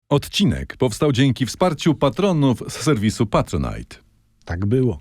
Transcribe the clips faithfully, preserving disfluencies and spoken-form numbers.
Odcinek powstał dzięki wsparciu patronów z serwisu Patronite. Tak było.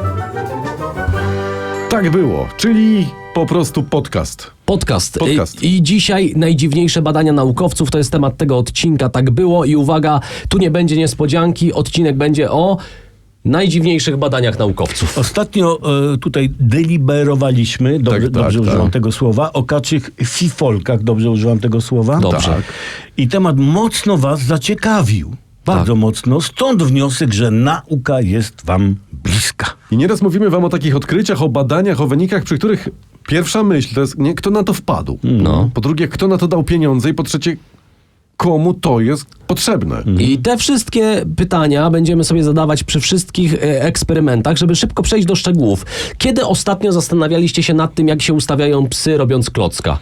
Tak było, czyli po prostu podcast. Podcast. Podcast. I, I dzisiaj najdziwniejsze badania naukowców to jest temat tego odcinka. Tak było i uwaga, tu nie będzie niespodzianki. Odcinek będzie o najdziwniejszych badaniach naukowców. Ostatnio e, tutaj deliberowaliśmy, dobrze, Tak, tak, dobrze tak. używam tego słowa, o kaczych fifolkach, dobrze używam tego słowa? Dobrze. Tak. I temat mocno was zaciekawił. Bardzo Tak. mocno. Stąd wniosek, że nauka jest wam bliska. I nieraz mówimy wam o takich odkryciach, o badaniach, o wynikach, przy których pierwsza myśl to jest, nie, kto na to wpadł. No. Po drugie, kto na to dał pieniądze i po trzecie, komu to jest potrzebne. I te wszystkie pytania będziemy sobie zadawać przy wszystkich e, eksperymentach, żeby szybko przejść do szczegółów. Kiedy ostatnio zastanawialiście się nad tym, jak się ustawiają psy, robiąc klocka?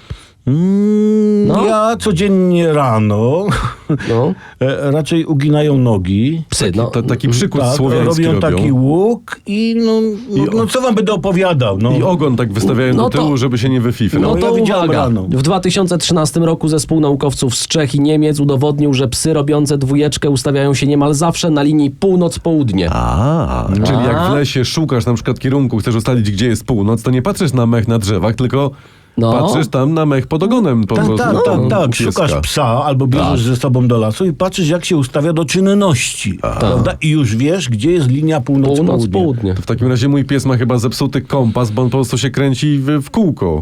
Mm, No. Ja codziennie rano No. e, raczej uginają nogi. Psy, no. To, taki przykład Tak, słowiański robią robią. taki łuk i no, no, no co wam będę opowiadał? No. I ogon tak wystawiają No do to- tyłu, żeby się nie wyfifrał. No No, to ja widziałem uwaga. rano. W dwa tysiące trzynastym roku zespół naukowców z Czech i Niemiec udowodnił, że psy robiące dwójeczkę ustawiają się niemal zawsze na linii północ-południe. A, czyli jak w lesie szukasz na przykład kierunku, chcesz ustalić, gdzie jest północ, to nie patrzysz na mech na drzewach, tylko No. patrzysz tam na mech pod ogonem po Tak, prostu. tak, tak, u tak. pieska. Szukasz psa albo bierzesz ze sobą do lasu i patrzysz, jak się ustawia do czynności. Prawda? I już wiesz, gdzie jest linia północ-południe. Północ-południe. To w takim razie mój pies ma chyba zepsuty kompas, bo on po prostu się kręci w, w kółko.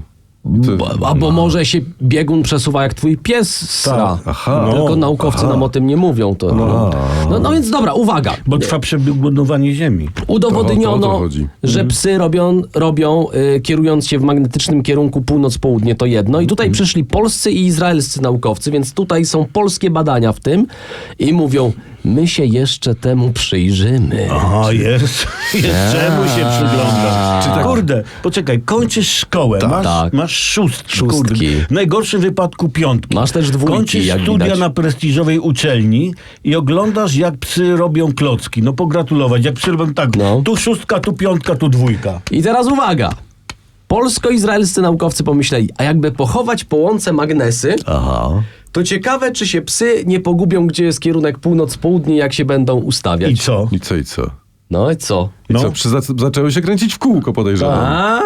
To- Albo może się biegun przesuwa jak twój pies sra. Aha. Tylko No, naukowcy aha. nam o tym nie mówią. To, no. No, no więc dobra, uwaga. Bo trwa przebiegunowanie ziemi. To- to o Udowodniono, to chodzi. że psy robią, robią y, kierując się w magnetycznym kierunku północ-południe, to jedno. I tutaj przyszli polscy i izraelscy naukowcy, więc tutaj są polskie badania w tym i mówią, my się jeszcze temu przyjrzymy. Aha, jest. Jest czemu się przyglądasz? Czy tak- Kurde, poczekaj, kończysz szkołę, masz, tak. masz szóstki. Szóstki. Kurde. W najgorszym wypadku piątki. Masz też dwójki, Kończysz jak studia widać. na prestiżowej uczelni i oglądasz, jak psy robią klocki. No pogratulować, jak psy robią tak, No. tu szóstka, tu piątka, tu dwójka. I teraz uwaga. Polsko-izraelscy naukowcy pomyśleli, a jakby pochować po łące magnesy, Aha. to ciekawe, czy się psy nie pogubią, gdzie jest kierunek północ-południe, jak się będą ustawiać. I co? I co, i co? No i co? I No. co, przy, zac- zaczęły się kręcić w kółko, podejrzewam.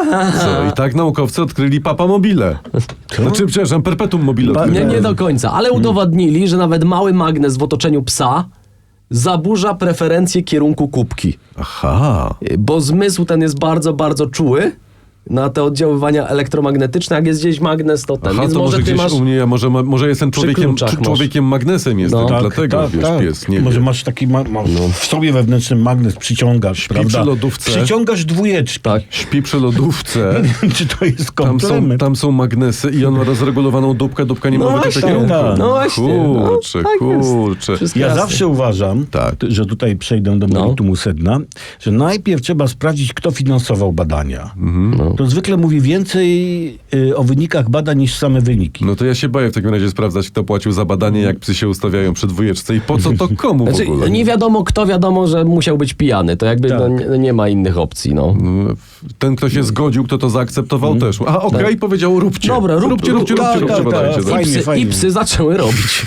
Co? I tak naukowcy odkryli papa mobile. Znaczy, przepraszam, perpetuum mobile. Pa- odkryli. Nie, nie do końca, ale udowodnili, że nawet mały magnes w otoczeniu psa zaburza preferencję kierunku kubki. Aha. Bo zmysł ten jest bardzo, bardzo czuły na te oddziaływania elektromagnetyczne. Jak jest gdzieś magnes, to ten. Aha, Więc to może może ty gdzieś masz... u mnie, ja może, ma- może jestem człowiekiem, kluczach czy- masz. człowiekiem magnesem jestem, No. dlatego, wiesz, pies, nie Może wie. masz taki ma- ma- w sobie wewnętrznym magnes, przyciągasz, prawda? przy lodówce. Przyciągasz dwójeczki. Tak. Śpi przy lodówce. Czy to jest Tam są, komplement? tam są magnesy i on ma rozregulowaną dupkę, dupka nie No może być właśnie, w kierunku. tak. No właśnie, no, Kurczę, tak jest. kurczę. Wszystko Ja jasne. zawsze uważam, Tak. t- że tutaj przejdę do No. meritumu sedna, że najpierw trzeba sprawdzić, kto finansował badania. Mhm. To zwykle mówi więcej y, o wynikach badań niż same wyniki. No to ja się boję w takim razie sprawdzać, kto płacił za badanie, jak psy się ustawiają przy dwójeczce i po co to komu w Znaczy, ogóle. nie wiadomo kto, wiadomo, że musiał być pijany. To jakby Tak. no, nie, nie ma innych opcji, no. Ten, kto się zgodził, kto to zaakceptował też. A okej, powiedział róbcie. Dobra, rób- róbcie, róbcie, rób- róbcie, tak, róbcie tak, badanie. tak, tak. I fajnie, psy, fajnie. I psy zaczęły robić.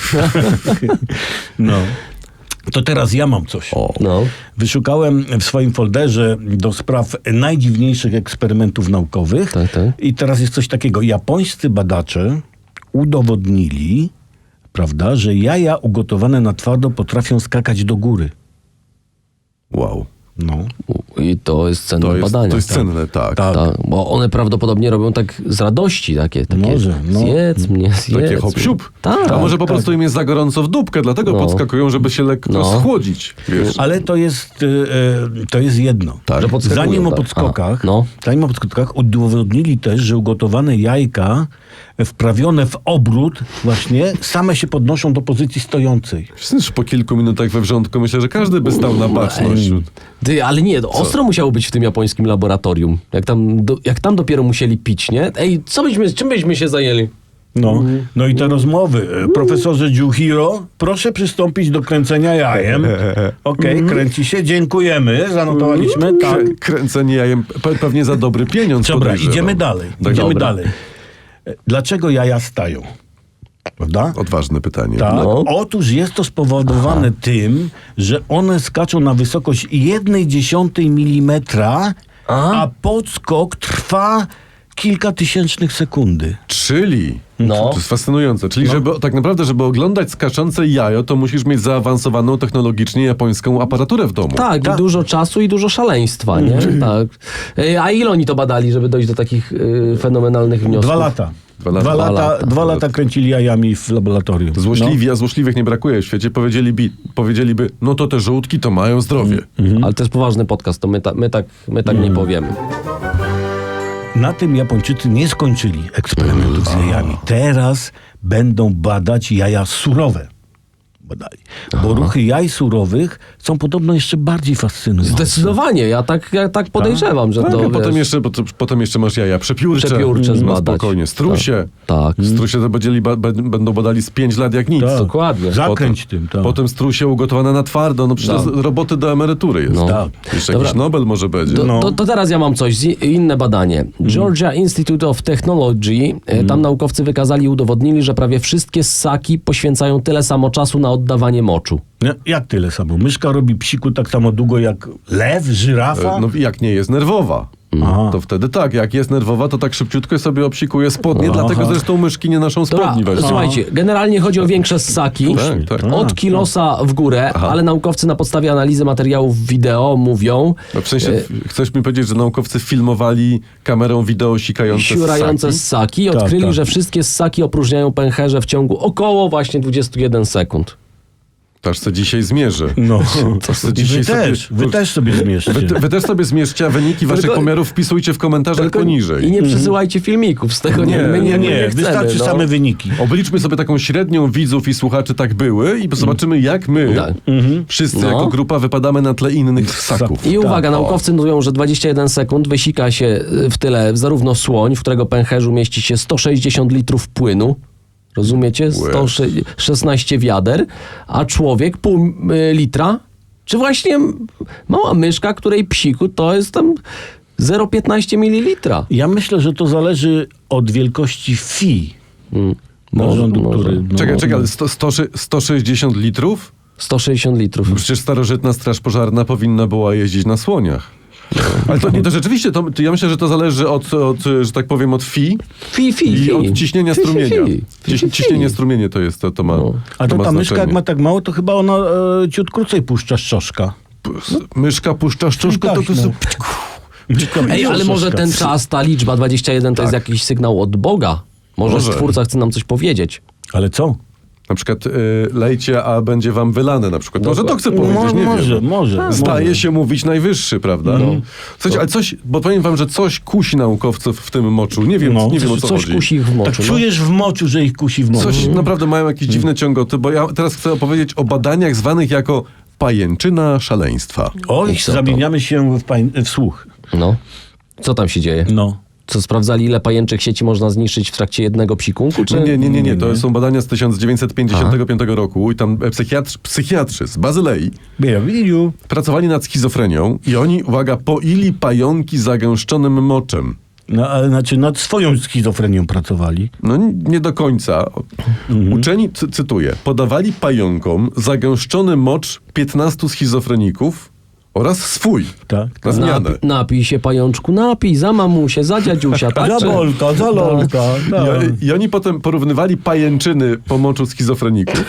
No. To teraz ja mam coś. No. Wyszukałem w swoim folderze do spraw najdziwniejszych eksperymentów naukowych. Tak, tak. I teraz jest coś takiego. Japońscy badacze udowodnili, prawda, że jaja ugotowane na twardo potrafią skakać do góry. Wow. No. I to jest cenne To jest, badanie. to jest cenne, tak. Tak. Tak, bo one prawdopodobnie robią tak z radości takie. takie Może, no. Zjedz mnie, zjedz Takie mnie. hop-siup. Tak. A może po tak. prostu im jest za gorąco w dupkę, dlatego No. podskakują, żeby się lekko No. schłodzić. Wiesz. Ale to jest, y, y, to jest jedno. Tak. Że podskakują, Zanim o tak. podskokach, A, no. zanim o podskokach udowodnili też, że ugotowane jajka wprawione w obrót właśnie same się podnoszą do pozycji stojącej. Przecież po kilku minutach we wrzątku myślę, że każdy by stał na baczność. Ty, ale nie, to ostro musiało być w tym japońskim laboratorium. Jak tam, do, jak tam dopiero musieli pić, nie? Ej, co byśmy, czym byśmy się zajęli? No, no i te rozmowy. E, Profesorze Juhiro, proszę przystąpić do kręcenia jajem. Okej, kręci się, dziękujemy, zanotowaliśmy. Tak. Krę- Kręcenie jajem pe- pewnie za dobry pieniądz. Dobra, podejrzewam. idziemy dalej. Tak, Idziemy dobra. dalej. E, Dlaczego jaja stają? Prawda? Odważne pytanie. Tak. No. Otóż jest to spowodowane tym, że one skaczą na wysokość jednej dziesiątej milimetra, A? a podskok trwa kilka tysięcznych sekundy. Czyli, No. to jest fascynujące, czyli żeby, tak naprawdę, żeby oglądać skaczące jajo, to musisz mieć zaawansowaną technologicznie japońską aparaturę w domu. Tak, i dużo czasu i dużo szaleństwa, nie? Tak. E, A ile oni to badali, żeby dojść do takich y, fenomenalnych wniosków? Dwa lata. Dwa lata. Dwa lata, Dwa lata. dwa lata kręcili jajami w laboratorium. Złośliwi, a złośliwych nie brakuje w świecie, powiedzieliby, powiedzieliby no to te żółtki to mają zdrowie. Ale to jest poważny podcast, to my, ta, my tak, my tak nie powiemy. Na tym Japończycy nie skończyli eksperymentów z jajami. Teraz będą badać jaja surowe. Badali. Bo ruchy jaj surowych są podobno jeszcze bardziej fascynujące. Zdecydowanie, ja tak, ja tak podejrzewam, że Tak, to a potem wiesz, jeszcze, potem, potem jeszcze masz jaja przepiórcze. Przepiórcze no zbadać. spokojnie. Strusie. Tak. Strusie to będzieli, ba, b- będą badali z pięć lat jak nic. Tak. dokładnie. Zakręć tym. Tak. Potem strusie ugotowane na twardo. No przecież Tak. to jest roboty do emerytury jest. No. Tak. Jeszcze Dobra. jakiś Nobel może będzie. To, No. to, to teraz ja mam coś, z- inne badanie. Georgia Institute of Technology, e, tam naukowcy wykazali i udowodnili, że prawie wszystkie ssaki poświęcają tyle samo czasu na oddawanie moczu. No, jak tyle samo? Myszka robi psiku tak samo długo jak lew, żyrafa? E, No jak nie jest nerwowa. Aha. To wtedy tak, jak jest nerwowa, to tak szybciutko sobie obsikuje spodnie, Aha. dlatego zresztą myszki nie noszą Dobra, spodni. weź. słuchajcie, generalnie chodzi o większe ssaki. Tak, tak. Od kilosa w górę, ale naukowcy na podstawie analizy materiałów wideo mówią, No w sensie, chcesz mi powiedzieć, że naukowcy filmowali kamerą wideo sikające siurające ssaki? ssaki i Tak, odkryli, tak. że wszystkie ssaki opróżniają pęcherze w ciągu około właśnie dwudziestu jeden sekund. To aż se dzisiaj zmierzę. No. To se I dzisiaj wy sobie- też, wy też sobie zmierzcie. Wy, wy też sobie zmierzcie, a wyniki waszych Tylko- pomiarów wpisujcie w komentarzach Tylko poniżej. I nie przesyłajcie filmików z tego, nie, Nie, my nie, Nie, my nie, nie chcemy. wystarczy no. same wyniki. Obliczmy sobie taką średnią widzów i słuchaczy tak były i zobaczymy, jak my, Tak. wszyscy No. jako grupa, wypadamy na tle innych ssaków. I uwaga, Tak, naukowcy mówią, że dwadzieścia jeden sekund wysika się y, w tyle zarówno słoń, w którego pęcherzu mieści się sto sześćdziesiąt litrów płynu, rozumiecie? sto szesnaście wiader, a człowiek pół y, litra, czy właśnie mała myszka, której psiku to jest tam zero przecinek piętnaście mililitra. Ja myślę, że to zależy od wielkości fi Mm. narządu, Może- który... No, Czekaj, czekaj, no. ale sto, sto, sto sześćdziesiąt litrów? sto sześćdziesiąt litrów. Przecież starożytna straż pożarna powinna była jeździć na słoniach. Ale to nie, to rzeczywiście, to, to ja myślę, że to zależy od, od, że tak powiem, od fi Fi, fi, i fi. od ciśnienia Fi, fi, strumienia. fi. Fi, Ciś, fi, ciśnienie fi. strumienia to jest, to, to ma No. A to ma ta myszka, jak znaczenie. ma tak mało, to chyba ona e, ciut krócej puszcza szczoszka. P- Myszka puszcza szczuszkę, to, Tak, to, no. to Myszka Ej, ale może szczoszka. ten czas, ta liczba dwadzieścia jeden to jest jakiś sygnał od Boga. Może, Może. Stwórca chce nam coś powiedzieć. Ale co? na przykład y, lejcie, a będzie wam wylane na przykład. Może to chcę Mo- powiedzieć, nie może, wiem. może. Zdaje może. się mówić najwyższy, prawda? Słuchajcie, ale coś, bo powiem wam, że coś kusi naukowców w tym moczu. Nie wiem, No. nie wiem o Coś, co coś chodzi. kusi ich w moczu. Tak no. czujesz w moczu, że ich kusi w moczu. Coś naprawdę mają jakieś dziwne ciągoty, bo ja teraz chcę opowiedzieć o badaniach zwanych jako pajęczyna szaleństwa. Oj, I co to? zamieniamy się w, pań- w słuch. No. Co tam się dzieje? No. Co, sprawdzali, ile pajęczych sieci można zniszczyć w trakcie jednego psikunku? Czy... Nie, nie, nie, nie, nie. To nie. są badania z tysiąc dziewięćset pięćdziesiątego piątego roku i tam psychiatrzy, psychiatrzy z Bazylei Bienvenido. pracowali nad schizofrenią i oni, uwaga, poili pająki zagęszczonym moczem. No, ale znaczy nad swoją schizofrenią pracowali. No n- nie do końca. Uczeni, cy- cytuję, podawali pająkom zagęszczony mocz piętnastu schizofreników oraz swój. Tak. Na zmianę. Napi- napij się, pajączku, napij, za mamusię, za dziadziusia, tak? Za Czy- Bolka, za Lolka. I, tak. oni- I oni potem porównywali pajęczyny po moczu schizofreników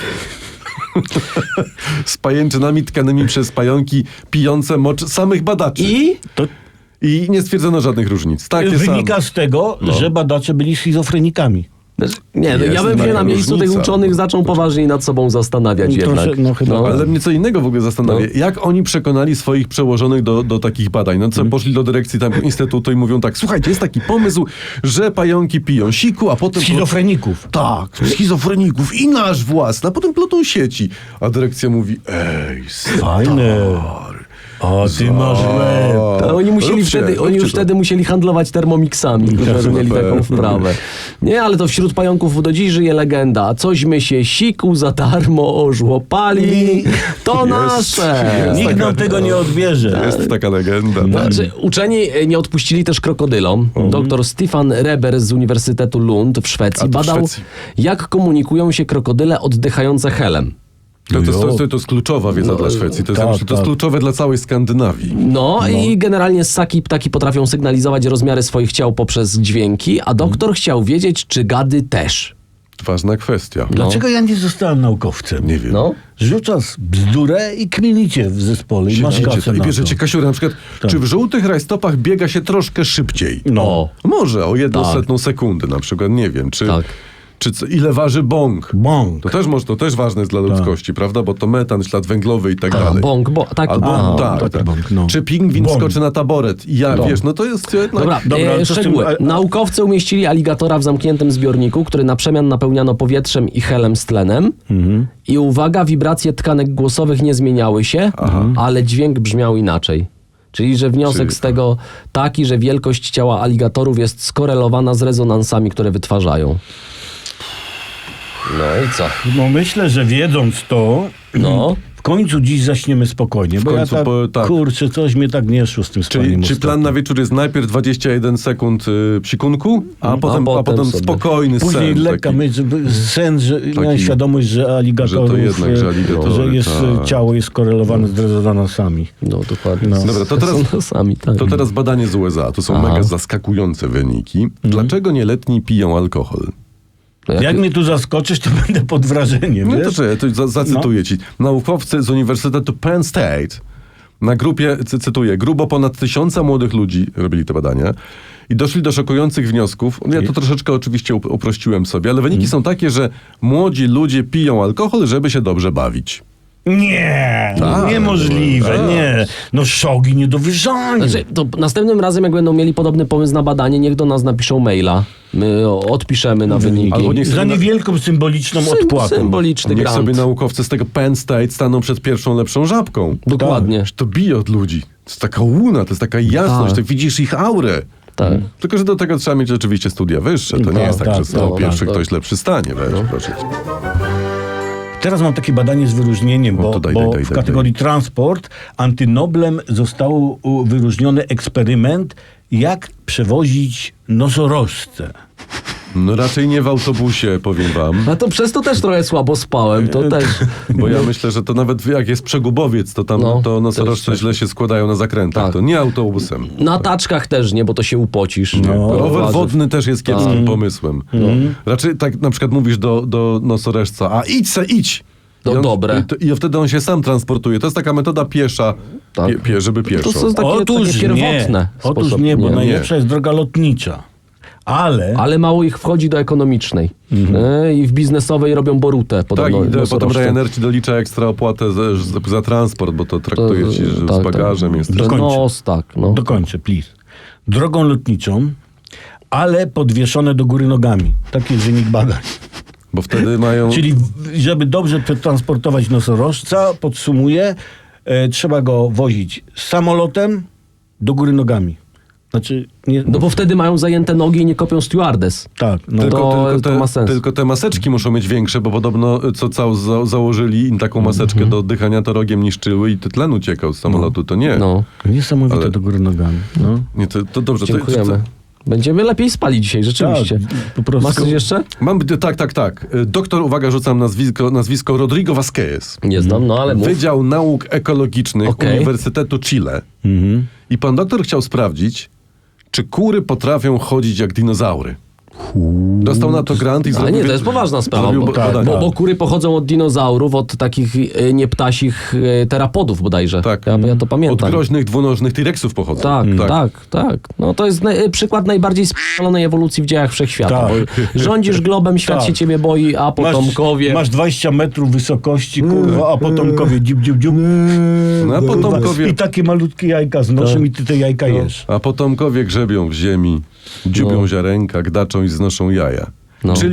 z pajęczynami tkanymi przez pająki pijące mocz samych badaczy. I? To I nie stwierdzono żadnych różnic. Takie wynika same. z tego, że badacze byli schizofrenikami. Nie, no, Jest ja bym się taka na miejscu tych różnica. uczonych zaczął poważniej nad sobą zastanawiać Trosze- jednak. no chyba Ale mnie co innego w ogóle zastanawia. No. Jak oni przekonali swoich przełożonych do, do takich badań? No co, poszli do dyrekcji tam instytutu i mówią tak, słuchajcie, jest taki pomysł, że pająki piją siku, a potem... Schizofreników. Tak, schizofreników i nasz własny, a potem plotą sieci. A dyrekcja mówi, ej, Fajne. stary, O, ty masz łeb. To oni musieli Róbcie, wtedy, róbcie oni już to. wtedy musieli handlować termomixami, którzy mieli taką wprawę. Nie, ale to wśród pająków do dziś żyje legenda. Cośmy się siku za darmo ożłopali, to nasze. jest. Nikt nam tego nie odbierze. Jest taka legenda. Tak. Znaczy, uczeni e, nie odpuścili też krokodylom. Doktor Stefan Reber z Uniwersytetu Lund w Szwecji A to w badał, Szwecji. jak komunikują się krokodyle oddychające helem. To, to, No to, to, to jest kluczowa wiedza dla Szwecji. To jest, tak, ja myślę, to jest tak. kluczowe dla całej Skandynawii. No, i generalnie ssaki i ptaki potrafią sygnalizować rozmiary swoich ciał poprzez dźwięki, a doktor chciał wiedzieć, czy gady też. Ważna kwestia. Dlaczego ja nie zostałem naukowcem? Nie wiem. No. Rzucasz bzdurę i kminicie w zespole i masz Siedzicie kasę to i na bierzecie to. Kasiurę, na przykład, czy w żółtych rajstopach biega się troszkę szybciej? No. Może, o jedną Tak. setną sekundy na przykład, nie wiem. Czy, Tak. czy co, ile waży bąk? Bąk. To też, może, to też ważne jest dla ludzkości, prawda? Bo to metan, ślad węglowy i tak A, dalej. bąk, bo, tak, Albo a, tak, taki tak. bąk, no. Czy pingwin Bąk. skoczy na taboret? I ja, No. wiesz, no to jest jednak... Dobra, Dobra, e, ale co z tym- szczegóły. a- a- Naukowcy umieścili aligatora w zamkniętym zbiorniku, który na przemian napełniano powietrzem i helem z tlenem. Mhm. I uwaga, wibracje tkanek głosowych nie zmieniały się, ale dźwięk brzmiał inaczej. Czyli, że wniosek Czyli- z tego taki, że wielkość ciała aligatorów jest skorelowana z rezonansami, które wytwarzają. No i co? No myślę, że wiedząc to, No. w końcu dziś zaśniemy spokojnie, bo końcu ja tak, po- tak. kurczę, coś mnie tak nie szło z tym Czyli, spaniem czy plan ostatnio. na wieczór jest najpierw dwadzieścia jeden sekund y, psikunku, a, potem, a potem potem sobie. spokojny Później sen. lekka taki. myśl, żeby sen, że miałem świadomość, że aligatorów, że to jednak, że e, aligatory, że jest, e, tak. ciało jest skorelowane z rezonansami. No dokładnie. No. Dobra, to teraz- Są sami, tak. To teraz badanie z U S A. To są Aha. mega zaskakujące wyniki. Dlaczego nieletni piją alkohol? No jak- Jak mnie tu zaskoczysz, to będę pod wrażeniem, No to wiesz? czekaj, to za, zacytuję ci. Naukowcy z Uniwersytetu Penn State na grupie, cy, cytuję, grubo ponad tysiąca młodych ludzi robili te badania i doszli do szokujących wniosków. Ja to troszeczkę oczywiście up- uprościłem sobie, ale wyniki są takie, że młodzi ludzie piją alkohol, żeby się dobrze bawić. Nie, Tak, niemożliwe, tak. nie. No szogi nie do wyżania. Znaczy, to następnym razem, jak będą mieli podobny pomysł na badanie, niech do nas napiszą maila. My o, odpiszemy na wyniki. Albo niech Za sobie na- niewielką symboliczną Sym- odpłatą. Symboliczny Niech grant. sobie naukowcy z tego Penn State staną przed pierwszą lepszą żabką. Dokładnie. To bije od ludzi. To jest taka łuna, to jest taka jasność, Tak. to widzisz ich aurę. Tak. Tylko, że do tego trzeba mieć rzeczywiście studia wyższe. To nie Tak, jest tak, tak, że stał tak, pierwszy tak. ktoś lepszy stanie. Weź, proszę cię. Teraz mam takie badanie z wyróżnieniem, No bo, to daj, bo daj, daj, w daj, kategorii transport antynoblem został u, wyróżniony eksperyment, jak przewozić nosorożce. No raczej nie w autobusie, powiem wam. A to przez to też trochę słabo spałem, to też. Bo ja myślę, że to nawet jak jest przegubowiec, to tam No, to nosorożce też- źle się składają na zakrętach. Tak. To nie autobusem. Na taczkach też nie, bo to się upocisz. No. Rower Warzyw. wodny też jest kiepskim Tak. pomysłem. No. Raczej tak na przykład mówisz do, do nosorożca, a idź se, idź! To I on, dobre. I, to, I wtedy on się sam transportuje. To jest taka metoda piesza, Tak. pie, pie, żeby pieszo. To są takie, Otóż takie pierwotne. nie, otóż sposoby. nie, bo Nie. najlepsza jest droga lotnicza. Ale, Ale mało ich wchodzi do ekonomicznej. E, I w biznesowej robią borutę. Tak, Podobno, i do, potem nosorożce. Ryanair ci dolicza ekstra opłatę za, za, za transport, bo to traktuje ci, że tak, z bagażem tak. jest. Że Dokończę. nos, tak. No. dokończę, please. Drogą lotniczą, ale podwieszone do góry nogami. Taki jest wynik badań. Bo wtedy mają... Czyli w- żeby dobrze przetransportować nosorożca, podsumuję, e, trzeba go wozić samolotem do góry nogami. Znaczy, nie, No bo wtedy mają zajęte nogi i nie kopią stewardess. tak, no. Tylko, To- tylko, to te, ma sens. tylko te maseczki muszą mieć większe, bo podobno y, co cał za, założyli im taką maseczkę Mhm. do oddychania, to rogiem niszczyły i to tlen uciekał z samolotu. To nie. No, Niesamowite Ale- do góry nogami. No. nie to, to dobrze. To, dziękujemy. to, Będziemy lepiej spali dzisiaj, rzeczywiście. Tak, po prostu- Masz coś jeszcze? mam, tak, tak, tak. Y, Doktor, uwaga, rzucam nazwisko, nazwisko Rodrigo Vasquez. Nie znam, no ale mów. Wydział Nauk Ekologicznych Okej. Uniwersytetu Chile. Mhm. I pan doktor chciał sprawdzić, czy kury potrafią chodzić jak dinozaury. Dostał na to grant i Ale zrobił... nie, to jest poważna sprawa, zrobił bo, ba- badanie. bo, bo kury pochodzą od dinozaurów, od takich e, nieptasich e, terapodów bodajże. Tak. Ja, ja to Od pamiętam. groźnych, dwunożnych T-Rexów pochodzą. Tak, tak, tak, No to jest naj, przykład najbardziej spalonej ewolucji w dziejach wszechświata. Tak. Bo rządzisz globem, świat Tak. się ciebie boi, a potomkowie... Masz, masz dwadzieścia metrów wysokości, kurwa, a potomkowie dziub, dziub, dziub. No, a Kurwa, potomkowie... I takie malutkie jajka znoszą i ty te jajka jesz. A potomkowie grzebią w ziemi, dziubią No. ziarenka, gdaczą i znoszą jaja. No. Czyli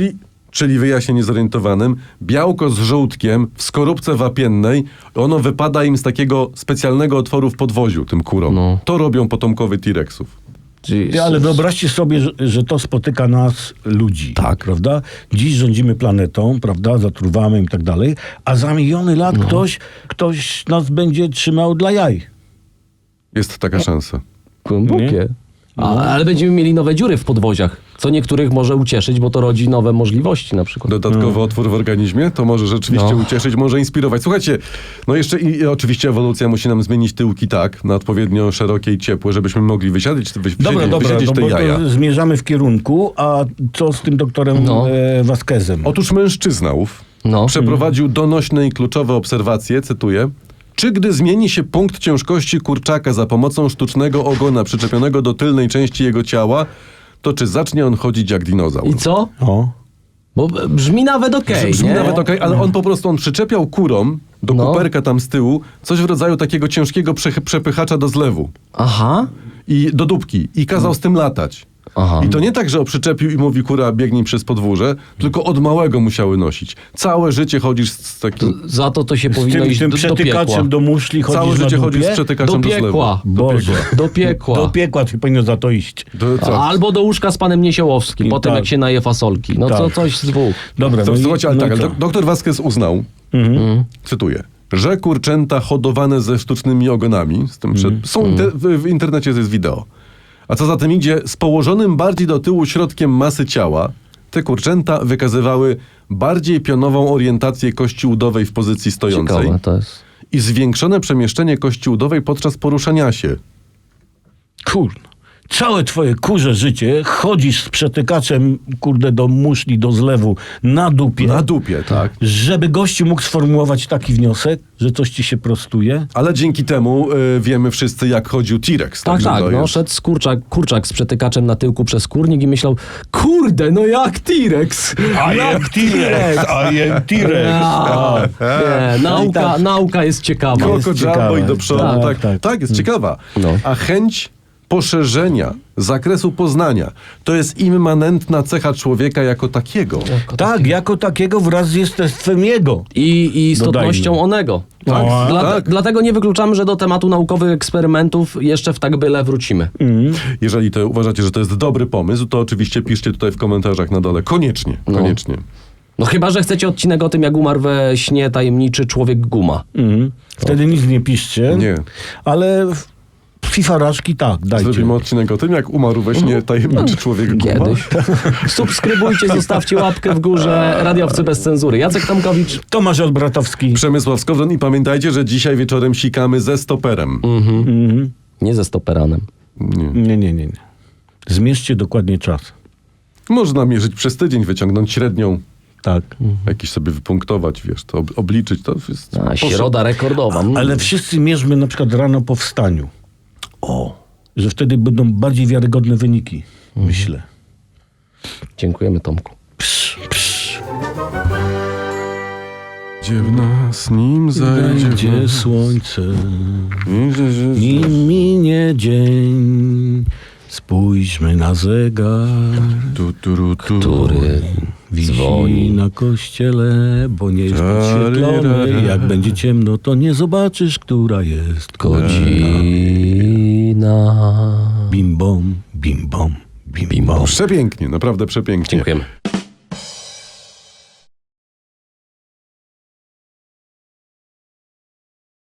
czyli wyjaśnię niezorientowanym, białko z żółtkiem w skorupce wapiennej, ono wypada im z takiego specjalnego otworu w podwoziu, tym kurom. No. To robią potomkowie T-Rexów. Ty, ale wyobraźcie sobie, że, że to spotyka nas, ludzi. Tak. Prawda? Dziś rządzimy planetą, prawda? Zatruwamy i tak dalej, a za miliony lat No. ktoś, ktoś nas będzie trzymał dla jaj. Jest taka szansa. Głębokie. A, ale będziemy mieli nowe dziury w podwoziach, co niektórych może ucieszyć, bo to rodzi nowe możliwości na przykład. Dodatkowy otwór w organizmie, to może rzeczywiście No. ucieszyć, może inspirować. Słuchajcie, no jeszcze i, i oczywiście ewolucja musi nam zmienić tyłki tak, na odpowiednio szerokie i ciepłe, żebyśmy mogli wysiadzić, wy, Dobra, wysiedzieć, dobra, wysiedzieć no te bo jaja. to zmierzamy w kierunku, a co z tym doktorem No. e, Vasquezem? Otóż mężczyzna ów No. przeprowadził donośne i kluczowe obserwacje, cytuję, czy gdy zmieni się punkt ciężkości kurczaka za pomocą sztucznego ogona przyczepionego do tylnej części jego ciała, to czy zacznie on chodzić jak dinozaur? I co? O. Bo brzmi nawet okej, Brzmi nie? nawet okej, ale on po prostu on przyczepiał kurom do No. kuperka tam z tyłu coś w rodzaju takiego ciężkiego prze- przepychacza do zlewu Aha. i do dupki i kazał z tym latać. Aha. I to nie tak, że przyczepił i mówi kura biegnij przez podwórze, tylko od małego musiały nosić. Całe życie chodzisz z, z takim... Za to to się Z powinno tym, iść tym do, do piekła. przetykaczem do muszli chodzisz Całe na życie chodzisz z dupie? przetykaczem Do do, zlewu. piekła. Boże. Do piekła. Do piekła ty powinno za to iść. Do, co? Albo do łóżka z panem Niesiołowskim, I po tym tak. jak się naje fasolki. No Tak. co, coś z dwóch. Dobra, To, no i- słuchajcie, ale no tak, i ale co? do- doktor Vasquez uznał, Mhm. cytuję, że kurczęta hodowane ze sztucznymi ogonami, z tym przed, są inter, w, w internecie jest wideo, a co za tym idzie, z położonym bardziej do tyłu środkiem masy ciała, te kurczęta wykazywały bardziej pionową orientację kości udowej w pozycji stojącej Ciekawe to jest. i zwiększone przemieszczenie kości udowej podczas poruszania się. Kurno. Całe twoje kurze życie chodzisz z przetykaczem, kurde, do muszli, do zlewu, na dupie, Na dupie, tak. żeby gościu mógł sformułować taki wniosek, że coś ci się prostuje. Ale dzięki temu y, wiemy wszyscy, jak chodził T-Rex. Tak, także tak, to no jest- szedł z kurczak, kurczak z przetykaczem na tyłku przez kurnik i myślał, kurde, no jak T-Rex. Jak T-Rex, I am T-Rex. A, nie, nauka, tak. nauka jest ciekawa. Koko jest Jumbo ciekawe. i do przodu. Tak, Tak, tak, tak. jest ciekawa. No. A chęć poszerzenia zakresu poznania to jest immanentna cecha człowieka jako takiego. Tak, jako takiego wraz z jestestwem jego. I, i istotnością Dodajmy. onego. Tak, Dla, tak. Dlatego nie wykluczamy, że do tematu naukowych eksperymentów jeszcze w tak byle wrócimy. Jeżeli to uważacie, że to jest dobry pomysł, to oczywiście piszcie tutaj w komentarzach na dole. Koniecznie, koniecznie. No chyba, że chcecie odcinek o tym, jak umarł we śnie tajemniczy człowiek guma. Mhm. Wtedy nic nie piszcie. Nie. Ale w- fifarażki tak, dajcie. Zrobimy odcinek o tym, jak umarł we śnie tajemniczy człowiek guma. Kiedyś. Subskrybujcie, zostawcie łapkę w górze. Radiowcy bez cenzury. Jacek Tomkowicz. Tomasz Olbratowski. Przemysław Skowron i pamiętajcie, że dzisiaj wieczorem sikamy ze stoperem. Mhm. Nie ze stoperanem. Nie. Nie, nie, nie, nie. Zmierzcie dokładnie czas. Można mierzyć przez tydzień, wyciągnąć średnią, Tak. jakiś sobie wypunktować, wiesz, to ob- obliczyć, to jest... A, poszło. środa rekordowa. Mm. Ale wszyscy mierzmy na przykład rano po wstaniu. O, Że wtedy będą bardziej wiarygodne wyniki. Myślę. Dziękujemy, Tomku. Psz, psz. gdzie w nas nim zajdzie Będzie słońce, nim minie dzień. Spójrzmy na zegar, Tu, tu, ru, tu. Który wisi dzwoni. na kościele, bo nie jest podświetlony. Tarira. Jak będzie ciemno, to nie zobaczysz, która jest Godzina. Bim bom, bim bom, bim, Bim bom. bom. Przepięknie, naprawdę przepięknie. Dziękujemy.